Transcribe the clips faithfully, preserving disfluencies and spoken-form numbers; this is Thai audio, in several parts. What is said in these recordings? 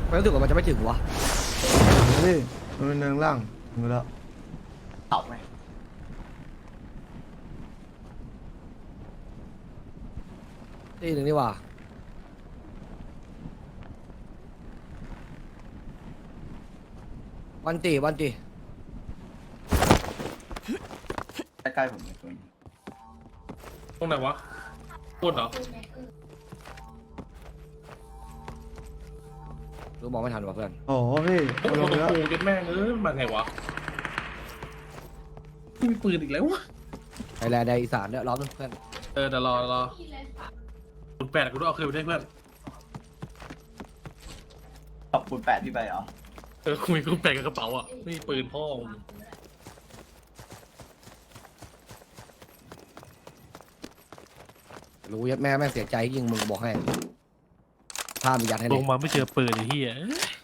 มันรู้สึกว่ามันจะไม่ถึงวะนี่มันเป็นเนินล่างถึงแล้วเต่าไหมตีหนึ่งนี่ว่าวันตีวันตีใกล้ๆผมเลยตัวนี้ตรงไหนวะพูดเหรอรู้มองไม่ทันวะเพื่อนโอ้โหพี่โอ้มาโหลงแล้วกูยัดแม่งเออมาไงวะไม่มีปืนอีกแล้ววะไทยแลนด์ในอีสานเนี่ยรอบนึงเพื่อนเออเดี๋ยวรอรอคุณแปดกูต้องเอาคืนไปได้เพื่อนตบคูณแปดพี่ไปเหรอเออคุยกูแปดกับกระเป๋าอ่ะไม่มีปืนพ่อมึงรู้ยัดแม่แม่งเสียใจยิงมึงบอกให้พามียัดให้ลเลยงมาไม่เจอปืนไอ้เหี้ย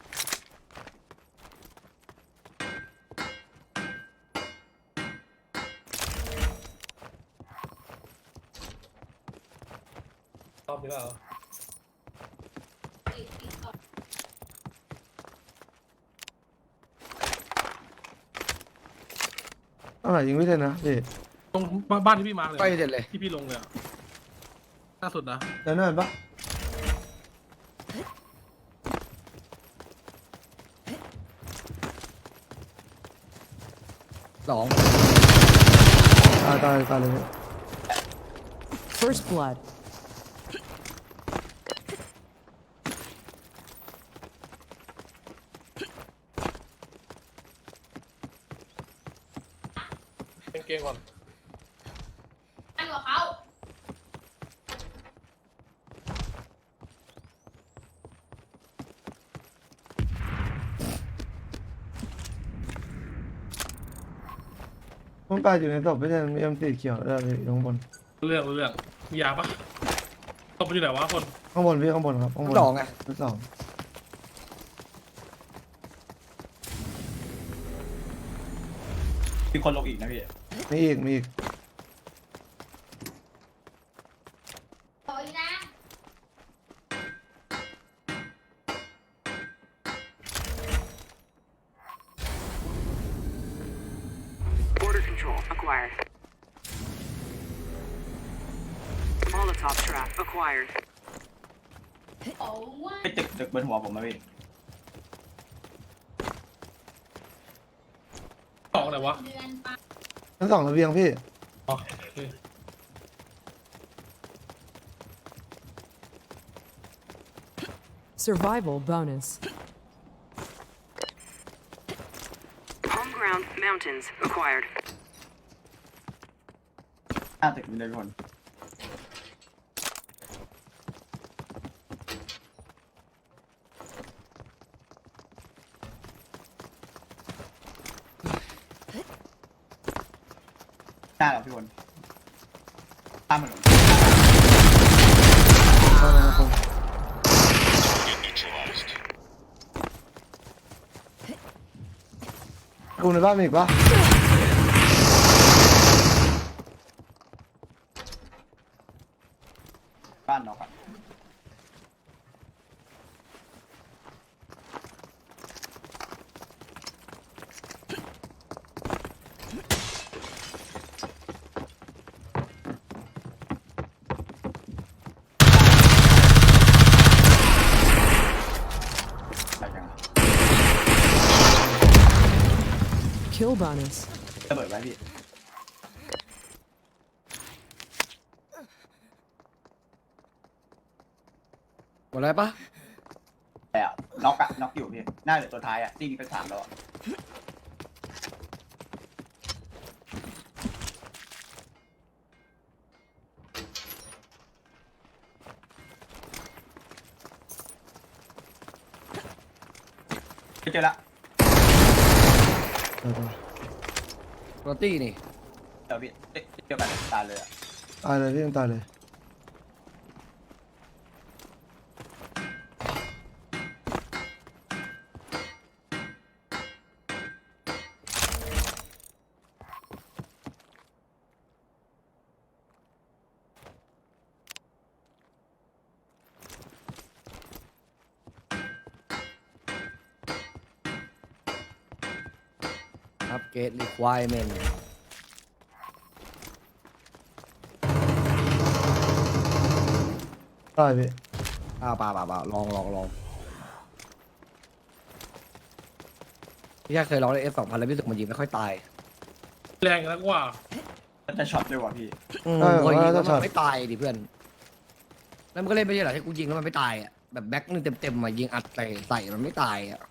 รอบนี้เปล่าอะไรยิงไม่ได้นะพี่ตรงบ้านที่พี่มาเลยไปเด็ดเลยที่พี่ลงเลยอะล่าสุดนะแล้วนั่นปะสองตายตายตายเลย First blood. เป็นเกมก่อนอันกับเขามันตายอยู่ในศพไม่ใช่มีเอ็มสีเขียวได้พี่อยู่ข้างบนเรื่องเรื่องมียาปะตบไปอยู่ไหนวะคนข้างบนพี่ข้างบนครับข้างบนสองไงชั้นสองมีคนลงอีกนะพี่มีอีกมีอีกต่อยนะ Border control acquired. Molotov trap acquired. โอ้ว่าไปตึกตึกบนหัวผมมาพี่สองไหนวะเดือนปะชั้นสองระเบียงพี่อ๋อโอเค Survival bonus. Home ground mountains acquired. หน้าตึกมีเลยทุกคนหน้าเราพี่คนข้ามถนนเข้ามาครับผมกูในบ้านมีอีกปะบ้านนอกอะไปยัง Kill bonus. ระเบิดไว้พี่หมดแล้วปะแต่อะน็อกอะน็อกอยู่พี่หน้าเหลือตัวท้ายอะตีนี้เป็นสามแล้วอะเจอละเออเออโรตี้นี่เดี๋ยวพี่เอ๊ะเดียวกันตายเลยอะตายเลยพี่ยังตายเลยครับเกต requirement ได้พี่อ้าวป่าป่าป่าลองลองลองพี่แค่เคยลองใน เอฟ สองพันแล้วพี่รู้สึกมันยิงไม่ค่อยตายแรงแล้วกว่าจะช็อตด้วยว่ะพี่อืมพอยิงแล้วมันไม่ตายดิเพื่อนแล้วมันก็เล่นไม่ใช่เหรอที่กูยิงแล้วมันไม่ตายอ่ะแบบแบ็คนึงเต็มๆมายิงอัดใส่ใส่มันไม่ตายอ่ะ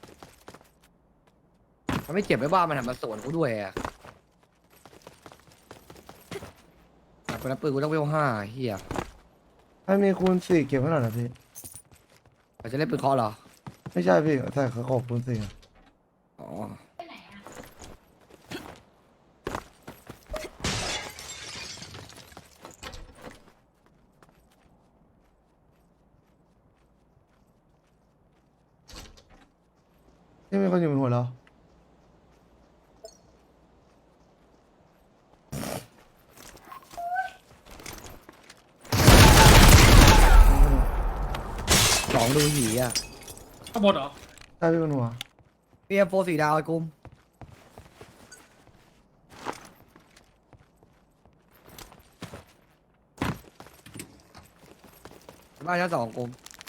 มันไม่เจ็บไม่บ้ามันหันมาสวนกูด้วยอ่ะแต่คนละปืนกูต้องเวลห้าเฮียให้มีคูณสี่เก็บไว้หน่อยนะพี่เราจะเล่นปืนเคาะเหรอไม่ใช่พี่แต่เขาขอบคูณสี่อะอ๋อไปไหนอ่ะที่มีคนอยู่บนหัวเราสองดูหีอ่ะข้างบนเหรอได้พี่บนหัวเปียโฟสีดาวไอ้กุมบ้านชั้นสองกุม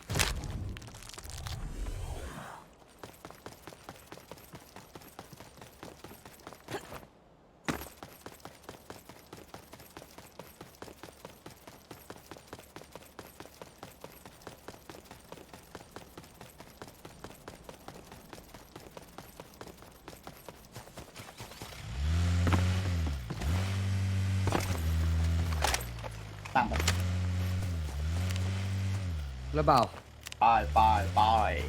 ตามไปแล้วเปล่าไปไปไป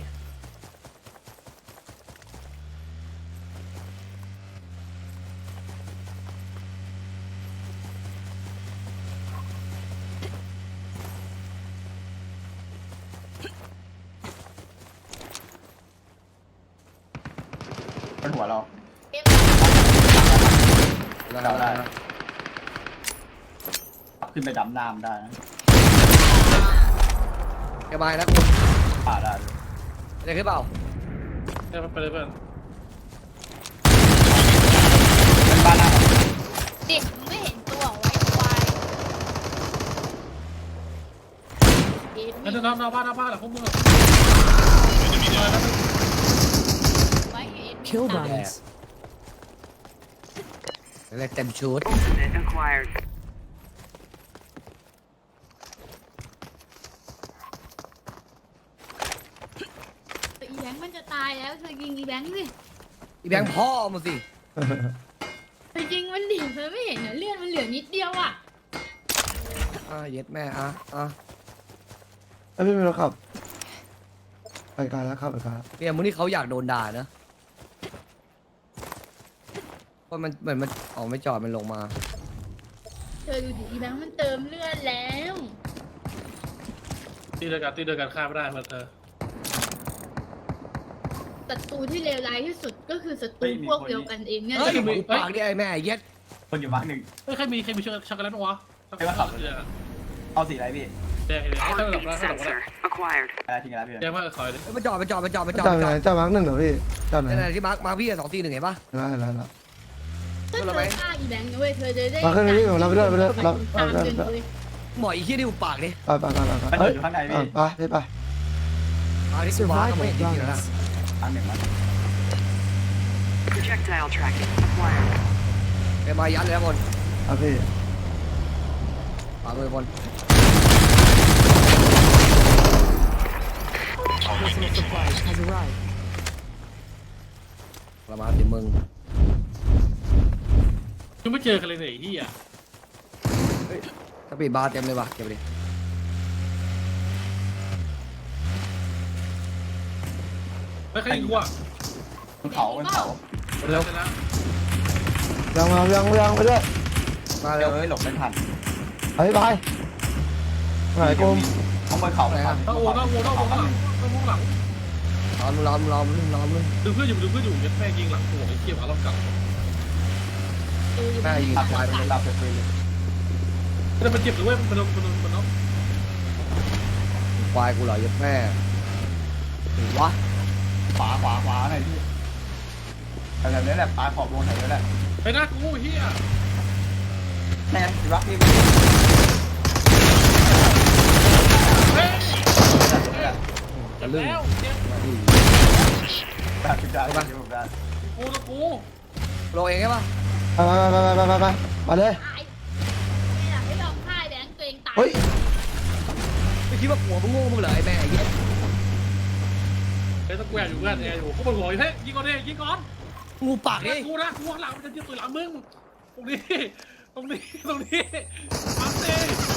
บนหัวเราเอ็มแล้วเดาได้ ขึ้นไปดำน้ำได้นะแกบายนะกุมป่าได้จะขึ้นเปล่าไปไปเลยเพื่อนเป็นบ้านหน้าเด็กมึงไม่เห็นตัวไว้ควายเอ็มนั่นนอนนอนบ้านนอนบ้านแหละพวกมึงอะจะมีอะไรนะไว้เอ็ม Kill bonus. เรียกเต็มชุด Ultimate acquired. อีแบงค์มันจะตายแล้วเธอยิงอีแบงค์สิอีแบงค์พ่อมาสิเธอยิงมันดิเธอไม่เห็นเหรอเลือดมันเหลือนิดเดียวอ่ะอ่ะเย็ดแม่อ่ะอ่ะแล้วพี่มีรถขับไปไกลแล้วขับไปไกลแล้วเนี่ยมึงนี่เขาอยากโดนด่านะเพราะมันเหมือนมันออกไม่จอดมันลงมาเธอดูดิอีแบงค์มันเติมเลือดแล้วตีเดียวกันตีเดียวกันฆ่าไม่ได้เพื่อนเธอศัตรูที่เลวร้ายที่สุดก็คือศัตรูพวกเดียวกันเองเนี่ยเฮ้ยหูปากดิไอ้แม่เย็ดคนอยู่บ้านหนึ่งเฮ้ยใครมีใครมีช็อกช็อกโกแลตปะวะไม่ว่าขับแดงเอาสีอะไรพี่แดงเลยให้ตั้งหลับ Heartbeat แล้วให้หลับแล้ว sensor acquired. อะไรทิ้งอะไรพี่แดงมากคอยดิเอ้ยมันจอดมันจอดมันจอดมันจอดจอดมันไหจอดนจอดมาร์กหนึ่งเหรอพี่จอดไหนนั่นแหละที่มาร์คมาร์คพี่สองสี่หนึ่งเห็นปะได้แล้วแล้วถ้าเธอฆ่าอีแบงค์นะเว้ยเธอจะได้มาขึ้นไปพี่ผมรับไปด้วยไปด้วยรับตามรับเดินรับเลยหมออีขี้ดิวปากดิไปไปไปไปมันเฮ้ยอยู่ข้างในอ่ะพี่ไปพี่ไปมาที่กูมาร์คก็ไม่เห็นจริงๆแล้วนะอันหนึ่งมัน Projectile tracking acquired. ไปมายัดเลยนะบนอ่ะพี่ขวามือบน Personal supplies has arrived. ประมาณสิมึงยังไม่เจอกันเลยเนี่ยไอ้เหี้ยสปีดบาร์เต็มเลยว่ะเก็บไปดิไม่ใครยิงกูอ่ะบนเขาบนเขาเร็วเสร็จแล้วยังมายังยังไปด้วยมาเดี๋เร็ยว วเอ้ยหลบไม่ทันไปไปไหนกลมข้างบนเขาเลยครับต้องโอ้ต้องโอ้ต้องโอ้ต้องหลังต้องโอ้หลังล้อมล้อมล้อมล้อมล้อมดึงเพื่อนอยู่ดึงเพื่อนอยู่ยัดแม่ยิงหลังหัวไอ้เหี้ยหมาล้อมกลับแม่ยิงตับควายเลยตับเลยเลยแต่มันเจ็บหรือว่ามันมันมันมันเนาะควายกูเหรอยัดแม่หรือวะขวาขวาขวาหน่อยพี่ไปแบบนี้แหละปลาขอบวงแถวนี้แหละไปหน้ากูเฮียแน่ถือว่าพี่เฮ้ยจะลื่นแล้วเจ็บได้ถือได้ได้ถือได้กูนะกูโรเองใช่ปะไปไปไปไปไปไปมาเลยตายไม่อยากให้ยอมพ่ายแบงค์ตัวเองตายเฮ้ยไม่คิดว่าหัวมึงโง่มึงเหรอไอ้แม่ไอ้เหี้ยเฮ้ยต้องกูแอบอยู่เพื่อนแอบอยู่กูปวดหัวอยู่เฮ้ยยิงก่อนดิยิงก่อนงูปากดิกูนะกูข้างหลังมันจะยิงปืนหลังมึงตรงนี้ตรงนี้ตรงนี้ปั๊มดิ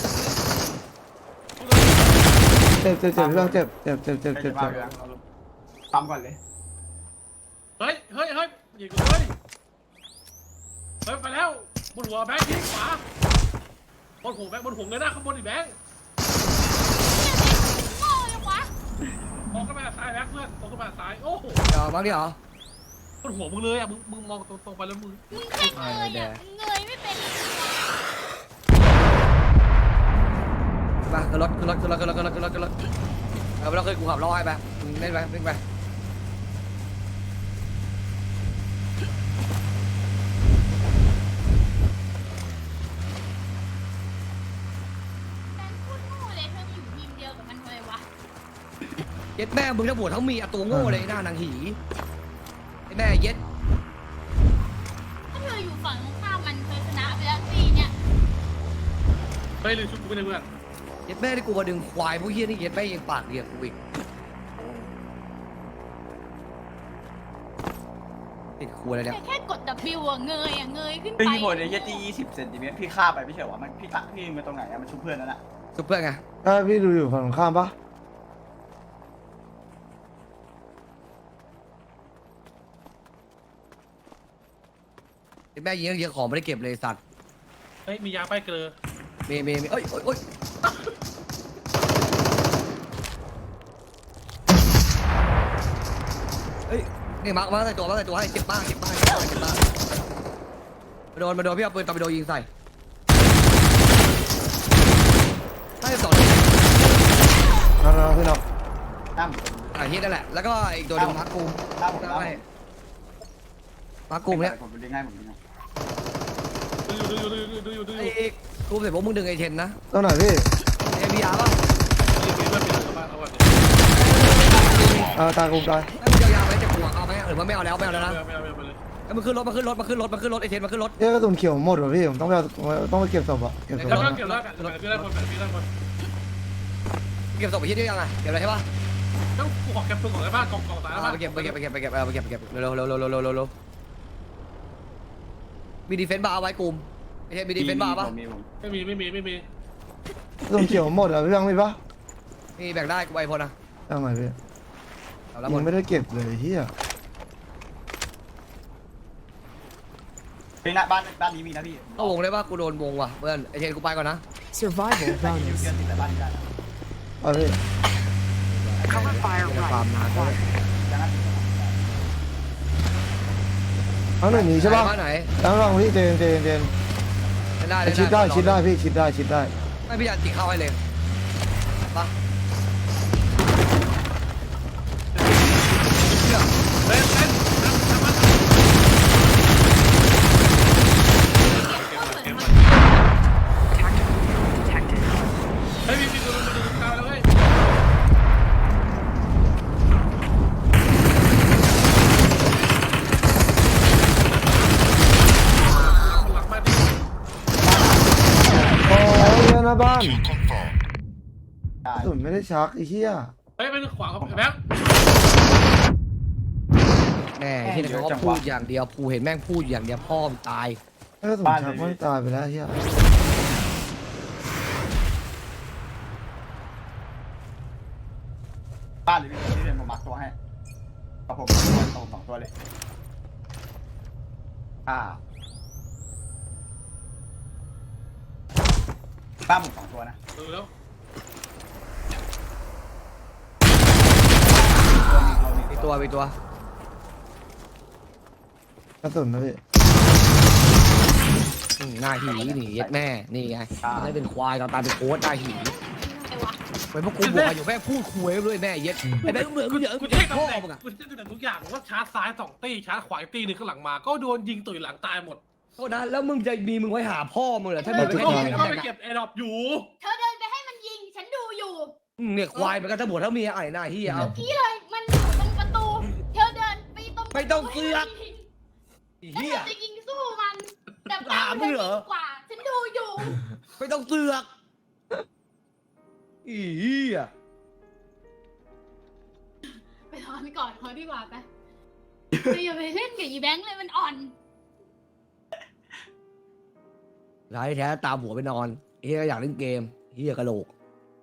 เจ็บเจ็บเจ็บพี่บังเจ็บเจ็บเจ็บเจ็บเจ็เจ็บบ เจ็เจ็บบ ปั๊มก่อนเลยเฮ้ยเฮ้ยเฮ้ยยิงกูเฮ้ยเฮ้ยไปแล้วบนหัวแบงค์ยิงขวาบนหัวแบงค์บนหัวเลยนะข้างบนอีแบงค์โง่ยังวะมองขึ้นไปทางซ้ายแบงค์เพื่อนมองขึ้นไปทางซ้ายโอ้โหเดี๋ยวบ้างดิเหรอบนหัวมึงเลยอ่ะมึงมึงมองตรงๆไปแล้วมึงมึงแค่เงยอ่ะมึงเงยไม่เป็นมาขึ้นรถขึ้นรถขึ้นรถขึ้นรถขึ้นรถขึ้นรถขึ้นรถเอาไปแล้วขึ้นกูขับรอให้ไปมึงเล่นไปเล่นไปแบงค์พูดโง่เลยเธอมาอยู่ทีมเดียวกับมันทำไมวะเย็ดแม่มึงทั้งบวชทั้งมีอะตัวโง่เลยหน้านางหีไอ้แม่เย็ดถ้าเธออยู่ฝั่งตรงข้ามมันเธอชนะไปแล้วสี่เนี่ยเฮ้ยลืมชุดกูไปเลยเพื่อนเย็ดแม่ที่กูมาดึงควายพวกเฮี้ยนี่เย็ดแม่ยังปากเรียกกูอีกติดครัวเลยเนี่ยแค่แค่กด W อ่ะเงยอ่ะเงยขึ้นไปพี่โหดเลยยี่ตียี่สิบเซนติเมตรพี่ฆ่าไปไม่ใช่หรอมันพี่ตะพี่มาตรงไหนอะมันชุบเพื่อนนั่นแหละซุปเปอร์ไงถ้าพี่ดูอยู่ฝั่งตรงข้ามปะเย็ดแม่ยิงเยอะของไม่ได้เก็บเลยสัตว์เฮ้ยมียาป้ายเกลือมีมีมีเอ้ยเอ้ยเอ้ยเฮ้ยนี่มาร์คมาร์คใส่ตัวมาร์คใส่ตัวให้เจ็บมากเจ็บมากเจ็บมากเจ็บมากมาโดนมาโดนพี่เอาปืนตอร์ปิโดยิงใส่ให้สองน้องน้องพี่น้องตั้มอ่ะเฮียนั่นแหละแล้วก็อีกตัวหนึงมาร์คกูตั้มผมตั้มไม่มาร์คกูเนี่ยผมดึงให้ผมดึงให้ดูอยู่ดูอยู่ดูอยู่ดูอยู่ดูอยู่ไอ้กูเสร็จพวกมึงดึงไอ้เทนนะต้องไหนพี่เอ็มบีอาร์ป่ะมีเพื่อนมีอะไรบ้างเอาไว้อ่าตายกูตายให้มึงยาวๆไหมจะกลัวเอาไหมหรือว่าไม่เอาแล้วไม่เอาแล้วนะไม่เอาไม่เอาไม่เอาไปเลยให้มึงขึ้นรถมาขึ้นรถมาขึ้นรถมาขึ้นรถไอ้เทนมาขึ้นรถเอ้ยกระสุนเขียวหมดว่ะพี่ผมต้องไปเอาต้องไปเก็บศพอ่ะเก็บศพแล้วก็อะเก็บแล้วกันพี่ได้คนพี่ได้คนเก็บศพไปที่นี่ยังไงเก็บอะไรใช่ป่ะแล้วกูขอเก็บปืนของไอ้บ้านกองกองตายแล้วเอาไปเก็บไปเก็บไปเก็บไปเก็บเอาไปเก็บไปเก็บเร็วเร็วเร็วเร็วเร็วเร็วเร็วมีดีเฟนต์บาร์เอาไว้กลุ่มไอ้เทนมีดีเฟนต์บาร์ป่ะมีผมไม่มีไม่มีไม่มีกระสุนเขียวหมดอ่ะพี่บังมีปะนี่แบ่งได้กูไปพอนะเอาไหนพี่เอาแล้วหมยัดงไม่ได้เก็บเลยเฮียพี่นะบ้านบ้านนี้มีนะพี่เข้าวงเลยป่ะกูโดนวงว่ะเพื่อนไอ้เทนกูไปก่อนนะ Survival บ้านนี้ bonus. เพื่อนติดแต่บ้านนี้ได้เอาพี่ Cover fire ฟาร์ม right. นานด้วยยังไงเอาหนึ่งหนีใช่ปะบ้านไหนตั้งรองพี่เจนเจนเจนได้ได้ชิดได้ชิดได้พี่ชิดได้ชิดได้ไม่พี่ยันตีเข้าให้เลยป่ะเล่นเล่นทำทำมัน Tactical detected. เฮ้ยมีมีดูดูดูตามแล้วเฮ้ยหลังมาดิโอ้ยเฮียหน้าบ้านได้กระสุนไม่ได้ชักไอ้เฮียเฮ้ยเป็นขวาครับแบ๊บแม่ที่เขาก็พูดอย่างเดียวกูเห็นแม่งพูดอย่างเดียวพ่อมตายถ้ากระสุนชักไม่ตายไปแล้วเฮียบ้านหรือพี่ที่เรียนผมมักตัวให้กับผมผมสองตัวเลยอ่าบ้านผมสองตัวนะดูแล้วมีตัวมีตัวกระสุนนะพี่อืมหน้าหีหนีเย็ดแม่นี่ไงไม่ได้เป็นควายตอนตายเป็นโค้ดหน้าหีไอ้วะไปพวกกูบอกอยู่แม่พูดคุยด้วยแม่เย็ดไอ้แม่เหมือนมึงเยอะกูมึงเช็คพ่อตำแหน่งมึงอะกูเช็คตำแหน่งทุกอย่างว่าชาร์จซ้ายสองตีชาร์จขวาอีกตีหนึงข้างหลังมาก็โดนยิงตุ๋ยหลังตายหมดโทษนะแล้วมึงจะมีมึงไว้หาพ่อมึงเหรอถ้าก็มึงไปไม่ให้ก็ใครไปทำเก็บแอร์ดรอปอยู่เธอเดินไปให้มันยิง ฉันดูอยู่เนี่ยควายมันก็ทั้งหมดทั้งเมียไอ้หน้าเฮียเอาพี่เลย มันอยู่ตรงประตู เธอเดินไปตรงไม่ต้องเสือกแล้วเฮีเธยอจะยิงสู้มัน แต่ถามมึงเหรอกว่า ฉันดูอยู่ไม่ต้องเสือกอีเฮียไปนอนก่อนเขาดีกว่าไปไปอย่าไปเล่นกับอีแบงค์เลยมันอ่อนร้ายแท้ตามหัวไปนอนเฮียก็อยากเล่นเกมเฮียกระโหลก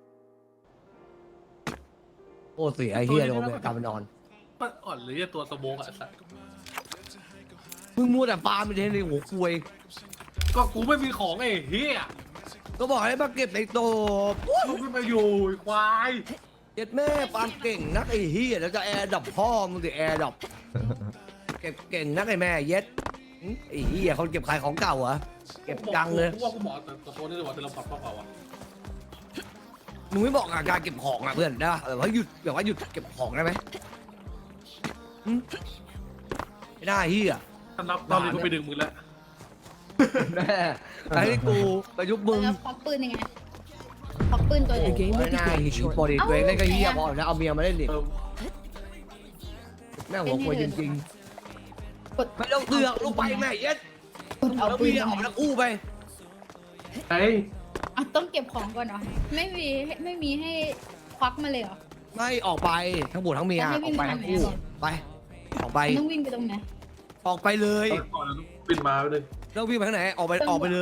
โอ้เสียไอ้เฮียโดนไปตามไปนอนมันอ่อนเลยไอ้ตัวสโมกอะสัสมึงมัวแต่ฟาร์มไปเทนในหัวคุยก็กูไม่มีของไอ้เฮียก็บอกให้มาเก็บในโตะกูขึ้นมาอยู่ไอ้ควายเจ็ดแม่ฟาร์มเก่งนักไอ้เฮียแล้วจะแอร์ดับพ่อมึงสิแอร์ดับเก็บเก่งนักไอ้แม่เย็ดหึไอ้เฮียเขาเก็บขายของเก่าเหรอเก็บจังเลยกูว่ากูบอกแต่ตัวนี้เลยว่าแต่เราปรับเปล่าอ่ะมึงไม่บอกอาการเก็บของอ่ะเพื่อนได้ปะแบบว่าหยุดแบบว่าหยุดเก็บของได้ไหมหึไม่ได้เฮียถ้านับตอนนี้กูไปดึงมึงแล้วแม่ไอ้กูประยุกต์มึงแล้วพกปืนยังไงพกปืนตัวเอง game will ไม่ได้ begin หิว shortly. พอดีตัวเองเล่นก็เฮียพอแล้วเอาเมียมาเล่นดิเออแม่หัวควยจริงกดๆไม่ต้องเสือกลงไปแม่เย็ดกดเอาแล้วปืนเมียออกมาทั้งคู่ไปไอ้อ่ะต้องเก็บของก่อนเหรอ ไม่มีไม่มีให้ควักมาเลยเหรอไม่ออกไปทั้งบุตรทั้งเมียแล้วให้อวิ่อกงไปไปทั้งไหนคู่อะไปออกไปมันต้องวิ่งไปตรงไหนออกไปเลยก่อนแล้วปิดมาไปเลยแล้ววิ่งไปทางไหนออกไปออกไปเลย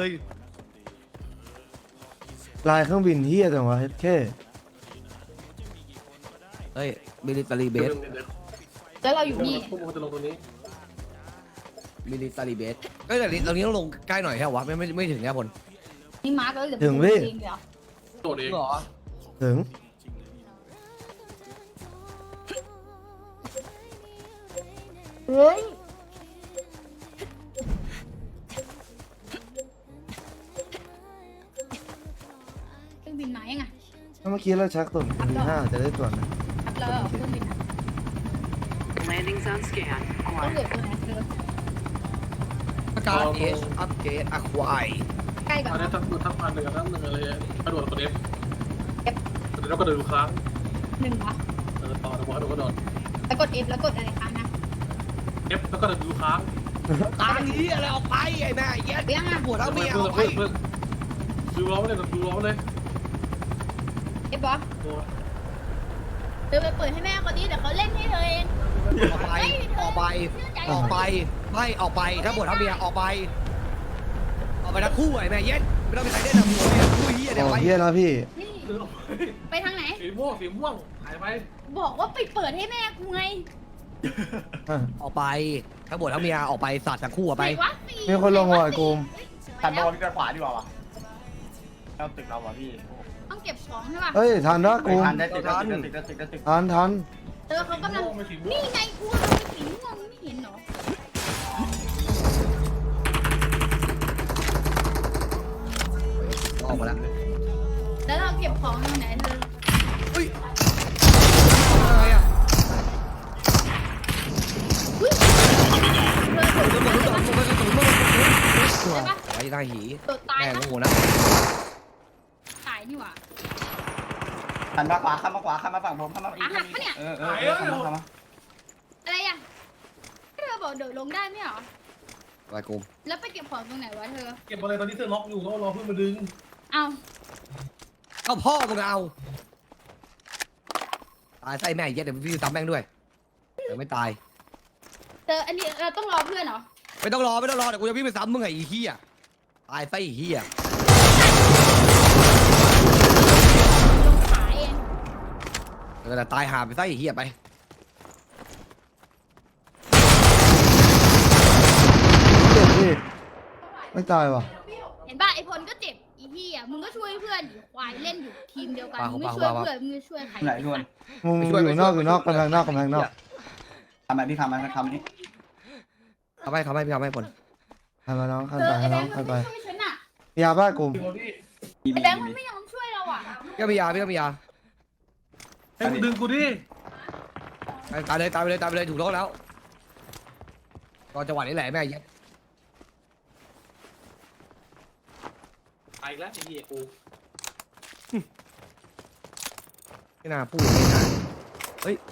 ลายเครื่องบินเฮียจังวะแค่เฮ้ยมิลิตารีเบสแล้วเราอยู่นี่พวกมึงจะลงตรงนี้มิลิตารีเบสก็แต่นี้ตรงนี้ต้องลงใกล้หน่อยแค่วะไม่ไม่ไม่ถึงแค่พลนี่มาร์กแล้วเหลือถึงพี่เองเดียวโดดเองเหรอถึงเฮ้ยเครื่องบินมายังไงถ้าเมื่อกี้เราชักตุ่นทีห้าจะได้ตรวจไหมครับแล้วเหรอเครื่องบินอะ Landing zone scan ต้องเหลือ acquired. ตัวไหนเธออาการเอชอัปเกรดอะควายใกล้ก่ออันนนี้นะทั้งทั้งพันหนึ่งกับทั้งหนึ่งอะไรกระโดดกดเอฟเอฟแล้วก็เดินค้างหนึ่งเหรอเออต่อแล้วก็กระโดดแล้วกด F แล้วกดอะไรค้างนะเอฟแล้วก็เดินค้างตานี้อะไรออกไปไอ้แม่เย็ดเบี้ยงอ่ะปวดทั้งเมียอเพิ่อง กไปเพิ่งดูล้อเลยดูล้อเลย F บอเธอไปเปิดให้แม่เขาดิเดี๋ยวเขาเล่นให้เธอเองออกไปออกไปออกไปไม่ออกไปถ้าปวดทั้งเมียออกไปออกไปทั้งคู่ไอ้แม่เย็ดไม่ต้องไปใส่เล่นหนังหัวเมียคู่เฮียเดี๋ยวโอ้ไปเฮียแล้วพี่นี่ไปทางไหนสีม่วงสีม่วงหายไปบอกว่าไปเปิดให้แม่กูไงออกไปทั้งปวดทั้งเมียออกไปสัตว์ทั้งคู่ออกไปไหนวะสี่มีคนลงว่ะไอ้กูมทันโดนกันขวาดีกว่าวะเอาตึกเราวะพี่ต้องเก็บของใช่ป่ะเฮ้ยทันนะไม่กูมทันได้ตึกได้ตึกได้ตึกได้ตึกได้ตึกทันทันเธอเขากำลังไม่สีม่วนี่งไงกูเอาไปสีม่วงไม่เห็นเหรอออกมาแล้วแล้วเราเก็บของตรงไหนเธอเฮ้ยอะไรอ่ะอุ้ยเธอตกตัวตายตัวปะตัวตัวตัวได้ปะไอ้หน้าหีตกตายแม่งปะโง่นะตายนี่หว่าหันมาขวาข้ามมาขวาข้ามมาฝั่งผมข้ามมาอีกอ่ะหักปะเนี่ยเออเออเออข้ามมาข้ามมาอะไรอ่ะเธอบอกเดี๋ยวลงได้ไม่เหรอไปกูแล้วไปเก็บของตรงไหนวะเธอเก็บอะไรตอนนี้เธอล็อกอยู่ก็รอเพื่อนมาดึงเอาเอาพ่อมึงเอาตายไส้แม่เย็ดเดี๋ยวพี่ตามแม่งด้วยเดี๋ยวไม่ตายเธออันนี้เราต้องรอเพื่อนเหรอไม่ต้องรอไม่ต้องรอเดี๋ยวกูจะวิ่งไปซ้ำมึงไงไอ้เหี้ยตายไส้เหี้ยลงขาเองเดี๋ยวแต่ตายหาไปไส้เหี้ยไปเจ็บพี่ไม่ตายว่ะเห็นป่ะไอพลก็เจ็บอีพี่อ่ะมึงก็ช่วยเพื่อนดิควายเล่นอยู่ทีมเดียวกันมึงไม่ช่วยเพื่อนมึงจะช่วยใครไหนชวนมึงอยู่นอกอยู่นอกกำแพงนอกกำแพงนอกทำไมพี่ทำไมทำนี่ทำให้ทำให้พี่ทำให้ผลให้มาน้องขั้นเอไปอไอให้แบน้อง งค์มัขั้นนไปไม่ช่วยฉันอ่ะยาบ้ากูมมีไอมีแบงค์มันมีไม่ยอมช่วยเราอ่ะก็มียาพี่ก็มียาให้มึงดึงกูดิตายเลยตายไปเลยตายไปเลยถูกต้องแล้วตอนจังหวะนี้แหละแม่เย็ดไปอีกแล้วไอ้เหี้ยกูไม่น่าพูดไม่น่าเฮ้ย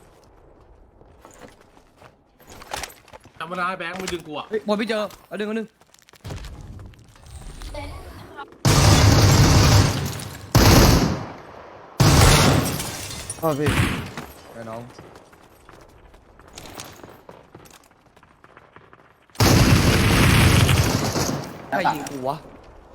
ธรรมดาไอ้แบงค์มึงดึงกูอ่ะเฮ้ยบอลพี่เจอเอาดึงเอาดึงอ๋อพี่ไอ้น้องใครยิงกูวะ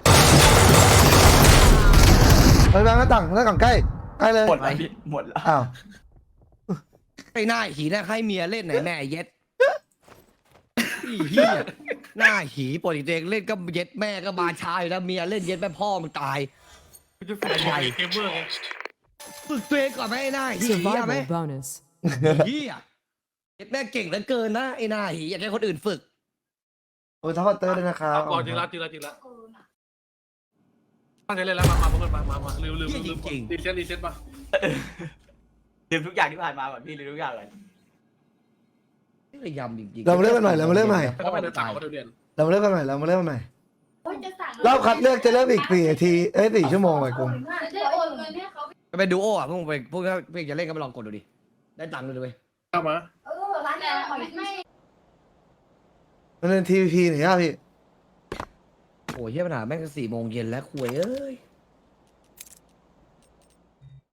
ไปแบงค์หน้าต่างหน้าต่างใกล้ใกล้เลยหมดแล้วพี่หมดแล้วอ้าวไอ้หน้าหีน่าให้เมียเล่นไหนแม่เย็ดอีเหี้ยหน้าหีปกติตัวเองเล่นก็เย็ดแม่ก็มาช้าอยู่แล้วเมียเล่นเย็ดแม่พ่อมึงตายกูจะฝึกไอ้เกมเมอร์ไงฝึกตัวเองก่อนไหมไอ้หน้าหีอะไหม Survival bonus. เหี้ยเย็ดแม่เก่งเหลือเกินนะไอ้หน้าหีอยากให้คนอื่นฝึกโอ้ยทัพเตอร์เลยนะครับก่อนจริงแล้วจริงแล้วจริงแล้วตั้งใจเล่นแล้วมามาพวกกันมามามาลืมลืมลืมรีเซ็ตรีเซ็ตมาลืมทุกอย่างที่ผ่านมาก่อนพี่ลืมทุกอย่างเลยนี่ระยำจริงๆเรามาเล่นกันใหม่เรามาเล่นใหม่แล้วไปเดินต่างมาเดินเรามาเล่นกันใหม่เรามาเล่นกันใหม่โอ้ยจะสั่งรอบคัดเลือกจะเริ่มอีกสี่นาทีเอ้ยสี่ชั่วโมงไอ้กงจะโอนเงินให้เขาก็เป็นดูโออ่ะพวกมึงไปพวกถ้าเพื่อนจะเล่นก็ไปลองกดดูดิได้ตังค์เลยด้วยเข้ามาเออร้านแต่ไม่มันเป็นทีวีพีหน่อยครับพี่โอ้ยเฮียปัญหาแม่งสี่โมงเย็นแล้วคุยเอ้ย